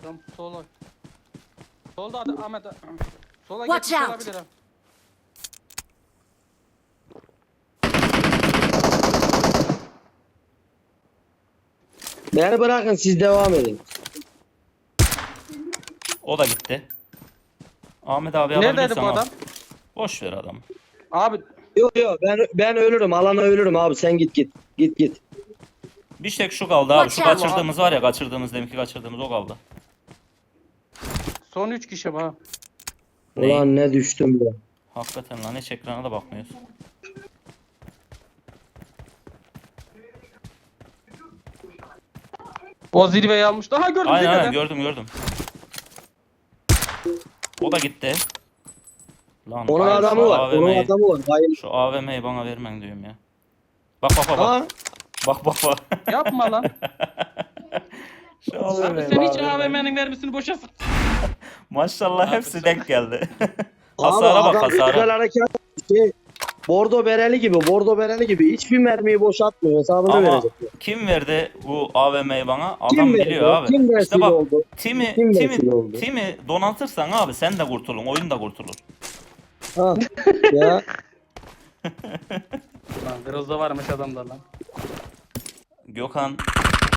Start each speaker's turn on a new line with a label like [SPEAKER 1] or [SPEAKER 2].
[SPEAKER 1] adam. Sola. Solda Ahmet. Sola
[SPEAKER 2] Watch
[SPEAKER 1] geçmiş
[SPEAKER 2] out.
[SPEAKER 1] olabilir ha.
[SPEAKER 3] Beni bırakın siz devam edin.
[SPEAKER 4] O da gitti. Ahmet abi
[SPEAKER 1] Neredeydi
[SPEAKER 4] alabilirsen
[SPEAKER 1] bu
[SPEAKER 4] al.
[SPEAKER 1] adam?
[SPEAKER 4] Boş ver adamı.
[SPEAKER 1] Abi
[SPEAKER 3] Yok ben ölürüm. Alana ölürüm abi. Sen git. Git.
[SPEAKER 4] Bir tek şu kaldı abi. Şu
[SPEAKER 2] Watch out.
[SPEAKER 4] kaçırdığımız var ya, kaçırdığımız deminki kaçırdığımız o kaldı.
[SPEAKER 1] son 3 kişi bu ha.
[SPEAKER 4] Ney?
[SPEAKER 3] Ulan ne düştüm ya.
[SPEAKER 4] Hakikaten lan, hiç ekrana da bakmıyoruz.
[SPEAKER 1] O zirveyi almış. Daha gördüm
[SPEAKER 4] Aynen
[SPEAKER 1] zirvede.
[SPEAKER 4] aynen, gördüm. O da gitti. Lan
[SPEAKER 3] Onun
[SPEAKER 4] hayır,
[SPEAKER 3] adamı
[SPEAKER 4] şu
[SPEAKER 3] var. Onun
[SPEAKER 4] AVM'yi
[SPEAKER 3] adamı var. Hayır.
[SPEAKER 4] Şu AVM'yi bana vermen diyorum ya. Bak.
[SPEAKER 3] Ha?
[SPEAKER 4] Bak.
[SPEAKER 1] Yapma lan.
[SPEAKER 4] Şu
[SPEAKER 1] Abi
[SPEAKER 4] AVM'yi
[SPEAKER 1] sen
[SPEAKER 4] bana
[SPEAKER 1] hiç
[SPEAKER 4] vermen.
[SPEAKER 1] AVM'nin mermisini boşa sık.
[SPEAKER 4] Maşallah
[SPEAKER 1] Abi
[SPEAKER 4] hepsi
[SPEAKER 1] sen-
[SPEAKER 4] denk geldi.
[SPEAKER 3] Abi
[SPEAKER 4] Hasara bak,
[SPEAKER 3] adam güzel
[SPEAKER 4] hasara.
[SPEAKER 3] hareket şey, Bordo bereli gibi hiçbir mermiyi boşaltmıyor. Hesabını
[SPEAKER 4] Ama
[SPEAKER 3] verecek.
[SPEAKER 4] kim verdi bu AVM'yi bana?
[SPEAKER 3] Kim
[SPEAKER 4] Adam
[SPEAKER 3] verdi?
[SPEAKER 4] biliyor abi.
[SPEAKER 3] Kim
[SPEAKER 4] İşte
[SPEAKER 3] vesile
[SPEAKER 4] bak,
[SPEAKER 3] oldu? Kim vesile oldu?
[SPEAKER 4] Timi donatırsan abi sen de kurtulun, oyun da kurtulur.
[SPEAKER 3] Ha. Ya.
[SPEAKER 1] Lan Grozda varmış adamda lan.
[SPEAKER 4] Gökhan